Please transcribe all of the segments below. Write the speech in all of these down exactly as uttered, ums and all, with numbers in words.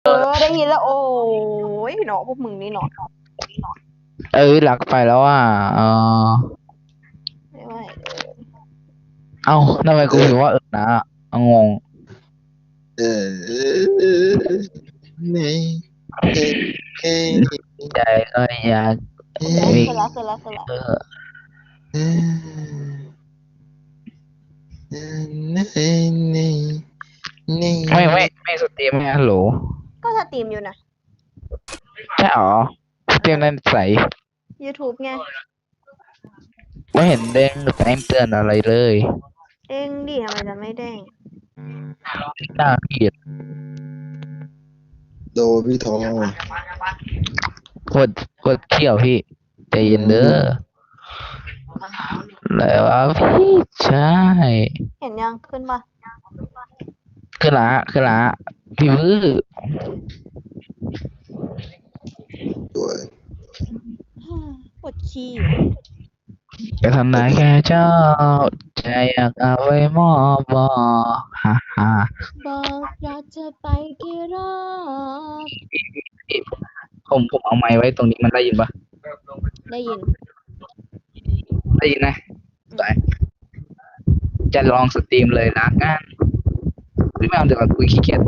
อได้ยินแล้วโอ้ยเนาะพวกมึงนี่เนาะเอ้ยหลักไปแล้วอ่ะเออไม่ไหวเลยเอ้าทำไมกูถึงว่าเออนะเอางงเออในเอเอใจก็อยากโอเคมีเสร็จแล้วเสร็จแล้วเสร็จแล้วเออเอนี่นี่ไม่ไม่ไม่สตรีมไม่ฮัลโหลก็สตรีมอยู่นะใช่หรอสตรีมในใส YouTube ไงไม่เห็นเด้งแจ้งเตือนอะไรเลยเด้งดิทำไมจะไม่เด้งน่าเกลียดโดพี่ทองโคตรโคตรเที่ยวพี่ใจเย็นเด้อแล้วะพี่ใช่เห็นยังขึ้นปะคือละคือละพี่วื้อด้วยปวดขี้จะทำนายแค่เจ้าใจอยากเอาไว้มอบบอกฮ่าฮ่าบอกรักเธอไปกี่รอบผมผมเอาไม้ไว้ตรงนี้มันได้ยินปะได้ยินได้ยินนะได้จะลองสตรีมเลยนะงั้นไม่เอาเดี๋ยวก่อนคุยขี้เกียจ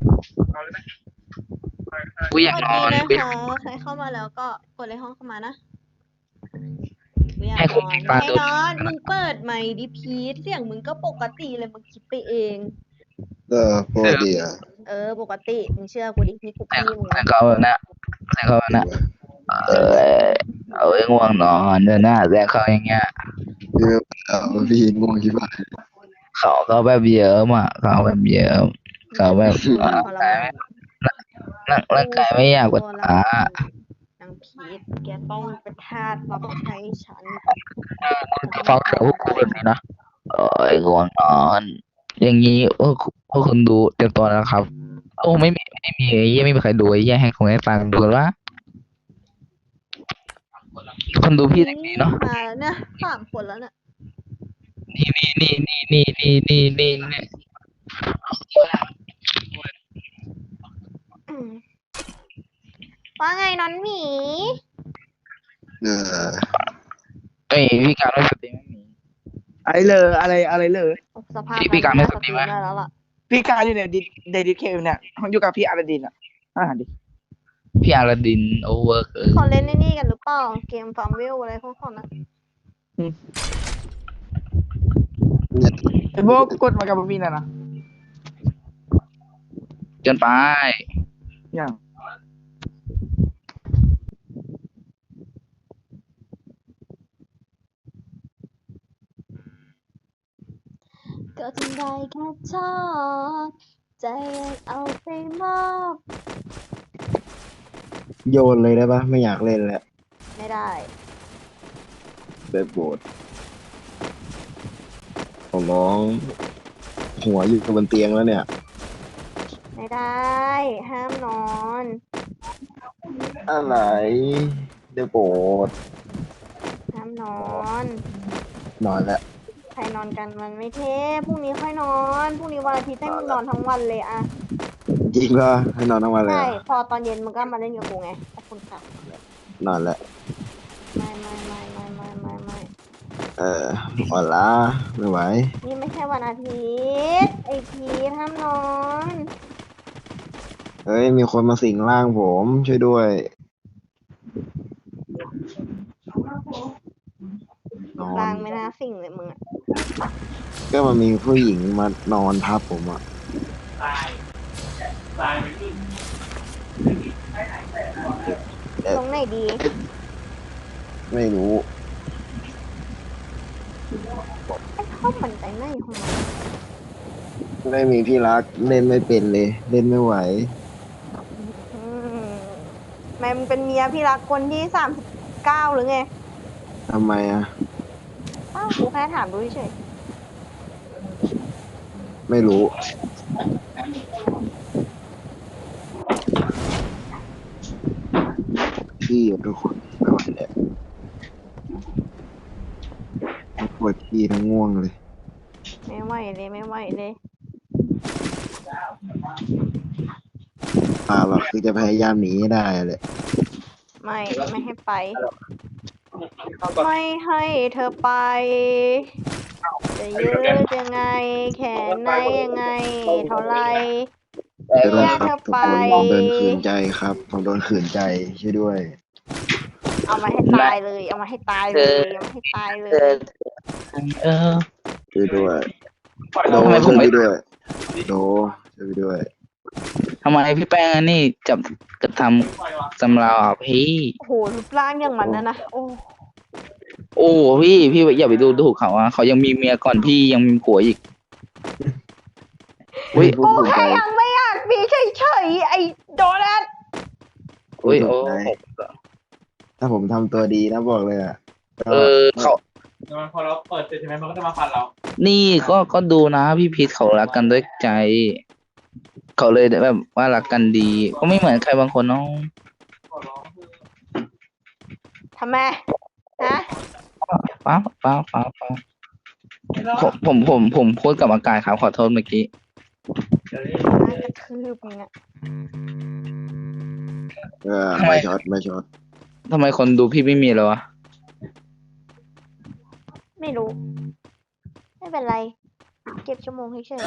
กูอยากสนวัอสนดีกูนะคะใครเข้ามาแล้วก็กดเลยห้องเข้ามานะกูอยากให้นคุณอนมีปลาให้ตัวนอน มึงเปิดไมค์ดิพีทเสียงมึงก็ปกติเลยมึงคิดไปเองเออพอดีอ่ะเออ ปกติมึงเชื่อกูดินี่กูแต่พี่มึงแต่นะเขาแบบนะแต่เขาแบบนะเออเอาไว้ง่วงนอนเดินหน้าแต่เขาอย่างเงี้ยพี่เอาพี่ง่วงกี่บาทเขาเขาแบบเยิ้มอ่ะเขาแบบเยิ้มเขาแบบทร่างรกายมานร่างร่างกายไม่อยากปวดตัวขานางพีทแกต้องเป็นทาสรับใช้ฉันฟังเสียงพวกกูแบบนี้นะเอ้ยง่วงนอน อย่างนี้พวกพวกคุณดูเตรียมตัวนะครับ โอ้ไม่มีไม่มีไอ้เหี้ยไม่มีใครดูไอ้เหี้ยให้คงให้ฟังดูกันว่าคนดูพี่เด็กดีเนาะมาแล้วเนี่ยสามคนแล้วเนี่ยนี่นี่นี่นี่นี่นี่นี่นี่นี่อืมว่าไงน้อนหมีเออเอ้ยพี่การไม่สตรีมไม่มีอะไรเลยอะไรอะไรเลยสภาพพี่พี่การไม่สตรีมไหมได้แล้วล่ะพี่การอยู่เนี่ยดิเดดิเคเนี่ยอยู่กับพี่อาราดินอ่ะอ่าดิพี่อาราดินโอเวอร์เออเขาเล่นในนี่กันหรือเปล่า เกมฟาร์มวิลอะไรพวกเขานะเนี่ยไอ้พวกกดมากับพี่น่ะนะจนไปอย่างก็ทำได้แค่ชอบใจเอาไปมอบโยนเลยได้ปะไม่อยากเล่นแล้วไม่ได้แบบโบดของน้องหัวอยู่บนเตียงแล้วเนี่ยไม่ได้ ห้ามนอนอะไรเดี๋ยวโบดห้ามนอนนอนแล้วใครนอนกันมันไม่เท่พรุ่งนี้ค่อยนอน พรุ่งนี้วันอาทิตย์ให้มึงนอนทั้งวันเลยอะจริงป่ะให้นอนทั้งวันเลยใช่เหรอพอตอนเย็นมึงก็มาเล่นกับกูไงขอบคุณค่ะนอนแล้วไม่ไม่ไม่ไม่ไม่ไม่ไม่เอออ่อนล้าไม่ไหวนี่ไม่ใช่วันอาทิตย์ไอพีทห้ามนอนเฮ้ยมีคนมาสิงร่างผมช่วยด้วยนอลาน งไม่น่าสิ่งเลยมึงอะก็มันมีผู้หญิงมานอนทับผมอ่ะตรงไหนดีไม่รู้ไอ้ข้าวมันไปไหนของมันไม่มีพี่รักเล่นไม่เป็นเลย เล่นไม่ไหวอืมแม่มึงเป็นเมียพี่รักคนที่สามสิบเก้าหรือไงทำไมอ่ะอ้าวกูแค่ถามดูเฉยไม่รู้ พี่อะทุกคนไม่ไหวแล้วทั้งปวดพี่ทั้งง่วงเลยไม่ไหวเลยไม่ไหวเลยป่าหรอกคือจะพยายามหนีให้ได้เลยไม่ไม่ให้ไป ไม่ให้เธอไป จะยืดยังไง แขนไหนยังไง เท่าไรจะโดแยนกครัเธบอทุกไปคนโดนขืนใจครับผมโดนขืนใจช่วยด้วยเอามาให้ตายเลย เอามาให้ตายเลย เอามาให้ตายเลเอย อเออช่วยด้วยโดทำไมผช่วมยไม่พี่ด้วยโดช่วยพี่ด้วยทำไมพี่แป้งอันนี่จับกระทำสำเราอ่ะพี่โอ้โหรูปร่างอย่างมันนะนะ โอ้โอ้พี่พี่อย่าไปดูถูกเขาอ่ะเขายังมีเมียก่อนพี่ยังมีผัวอีก อุ๊ยพูดกูขืนใจแค่ยังไม่อยากมีเฉยๆไอ้โดนัทอุ้ยโอ้ถ้าผมทำตัวดีนะบอกเลยอ่ะก็เออเขาพอเราเปิดเสร็จใช่ไหมมันก็จะมาฟันเรานี่ก็ก็ดูนะพี่พีทเขารักกันด้วยใจ เขาเลยแบบว่ารักกันดี ก็ไม่เหมือนใครบางคนเนาะทำไมฮะป้าป้าป้าป้าผมผมผมผมพูดกับอากาศครับขอโทษเมื่อกี้น่ากระทืบมึงอะเออไม่ช็อตไม่ช็อตทำไมคนดูพี่ไม่มีแล้ววะไม่รู้ ไม่เป็นไร เก็บชั่วโมงเฉย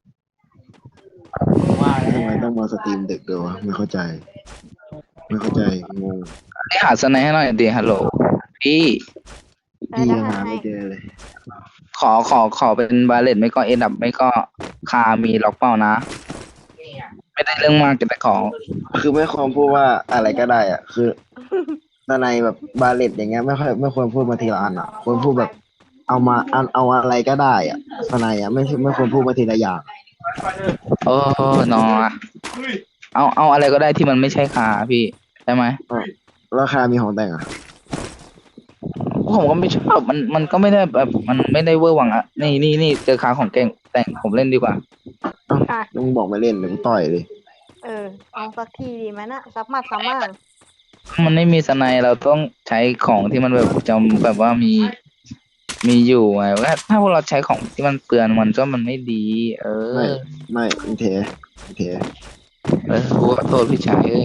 ทำไมต้องมาสตรีมดึกด้วยวะไม่เข้าใจ ไม่เข้าใจงงให้หาสไนให้หน่อยดิฮัลโหลพี่ๆพี่ได้ยังได้หาให้ไม่เจอเลยขอขอขอเป็นบาเลตไม่ก็เอ็นดับไม่ก็คามีล็อกเป้านะ ไม่ได้เรื่องมากแต่ขอคือไม่ควรพูดว่าอะไรก็ได้อ่ะ คือตในแบบบาเลตอย่างเงี้ยไม่ค่อยไม่ควรพูดมาทีละอันอ่ะควรพูดแบบ เอามาอันเอาอะไรก็ได้อ่ะตในอ่ะไม่ไม่ควรพูดมาทีละอย่างเออนอเอาเอาอะไรก็ได้ที่มันไม่ใช่คาพี่ใช่ไหมราคามีของแต่งอ่ะผมก็ไม่ชอบมันมันก็ไม่ได้แบบมันไม่ได้เวอร์วังอะนี่นี่นี่เจอคาของเก่งแต่งผมเล่นดีกว่าอ่ะลุงบอกไม่เล่นหรือต่อยเลยเออ เอาสักทีดีไหมนะสักหมัดสักหมั่งมันไม่มีสไนเราต้องใช้ของที่มันแบบจำแบบว่ามีมีอยู่ไงว่าถ้าพวกเราใช้ของที่มันเปลือนมันก็มันไม่ดี เอไม่อไม่อินเทอินเทเออขอโทษพี่ชายเอ้ย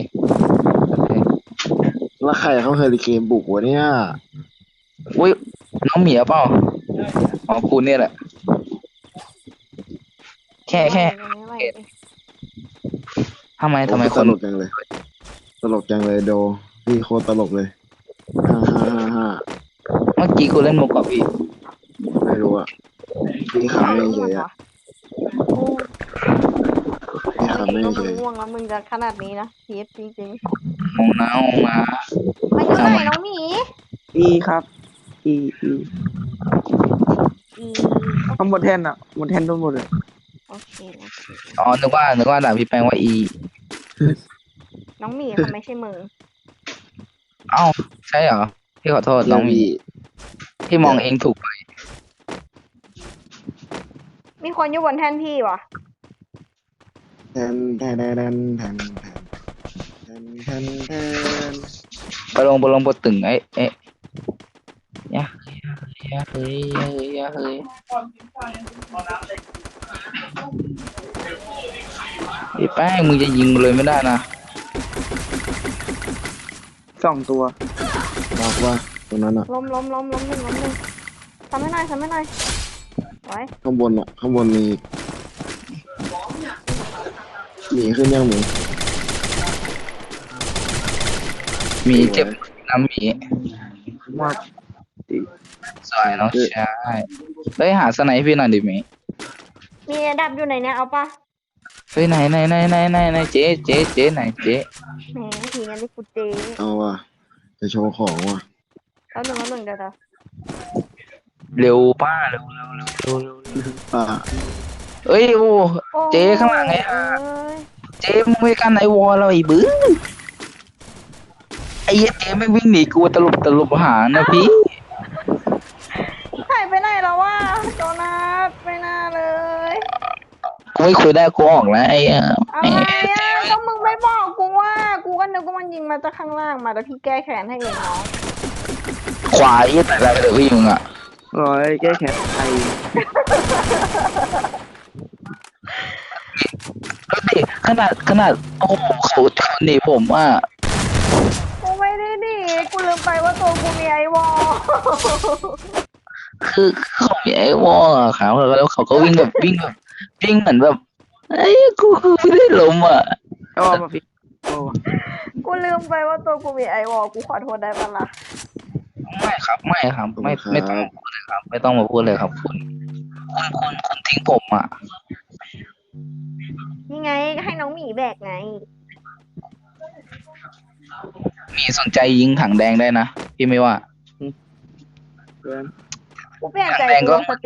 แล้วใครเขาเฮอริเคนบุกวะเนี่ยอุ้ยน้องเหมียวเปล่าอ๋อคุณเนี่ยแหละ แค่แค่ไม่ไหวเลยทำไมทำไมโอ้คนตลกจังเลย ตลกจังเลยโดพี่โคตรตลกเลยฮ่าฮ่าฮ่าฮ่าเมื่อกี้คุณเล่นมุกกับพี่ไม่รู้อ่ะพี่ขำไม่เฉยอ่ะโอ้พี่ขำไม่ก็เฉมึงยง่วงแล้วมึงจะขนาดนี้นะพีเอสจริงมองน้าออกมาๆมาอยู่ไหนน้องหมีอีครับ อีอีอีข้างบนแท่นอ่ะบนแท่นทั้งหมดเลยโอเคโอเคอ๋อ นึกว่า นึกว่าด่าพี่แปงว่าอีน้องหมีเขาไม่ใช่มึงเอ้า ใช่เหรอ พี่ขอโทษน้องหมีพี่พี่มองเองถูกไปมีคนอยู่บนแท่นพี่วะแทนแทนแทนแทนแทนแทนแทนไปลงไปลงบนตึงไอ้เอ๊ะยะยะเฮ้ยยะเฮ้ยยะเฮ้ยพี่แป้งมึงจะยิงเลยไม่ได้นะสองตัวบอกว่าตรงนั้นอ่ะล้มล้มล้มล้มหนึ่งล้มหนึ่งทำให้หน่อยทำให้หน่อยไว้ข้างบนอ่ะ ข้างบนมีหมีขึ้นยังหมีหมีเจ็บน้ำหมีมากสวยน้องชายเฮ้ยหาสไนให้พี่หน่อยดิหมีมีอันดับอยู่ไหนเนี่ยเอาปะเฮ้ยไหนไหนไหนไหนไหนไหนเจ๊เจ๊เจ๊ไหนเจ๊แหมทีงั้นดิกูเจเอาว่ะจะโชว์ของว่ะแล้วหนึ่งแล้วหนึ่งเดี๋ยวเดี๋ยวเร็วป้าเร็วเร็วเร็วเร็วเร็วอ่าเอ้ยโอ้โอ้เจ๊ข้างหลังไงเอ้ยเจ๊มึงไม่กันไอวอลเราไอ้บื้อไอ้เหี้ยเจ๊ไม่วิ่งหนีกูตลบตลบหานะพี่หายไปไหนแล้ววะโจนัสไม่น่าเลยกูไม่คุยได้กูออกแล้วไอ้เอ่ออะไรอ่ะก็มึงไม่บอกกูว่า กูก็นึกว่ามันยิงมาจากข้างล่างมาแต่พี่แก้แค้นให้เองน้องขวายี่แต่ละเดี๋ยวพี่มึงอ่ะร้อยแก้แค้นไทยดูดิขนาดขนาดโอ้โหเขาเขาหนีผมอ่ะกูไม่ได้หนีกูลืมไปว่าตัวกูมีไอวอลคือเขามีไอ้วอลอะครับแล้วเขาก็วิ่งแบบวิ่งแบบวิ่งเหมือนแบบไอ้ยกูกูไม่ได้ล้มอ่ะโอ้มาพี่โอ้กูลืมไปว่าตัวกูมีไอวอลกูขอโทษได้ปะล่ะไม่ครับไม่ครับไม่ไม่ต้องมาพูดเลยครับ ไม่ต้องมาพูดเลยครับคุณคุณคุณคุณทิ้งผมอ่ะนี่ไงให้น้องหมีแบกไงมีสนใจยิงถังแดงได้นะพี่ไม่ว่าเกินกูเปลี่ยนใจแดงกูก็ลงส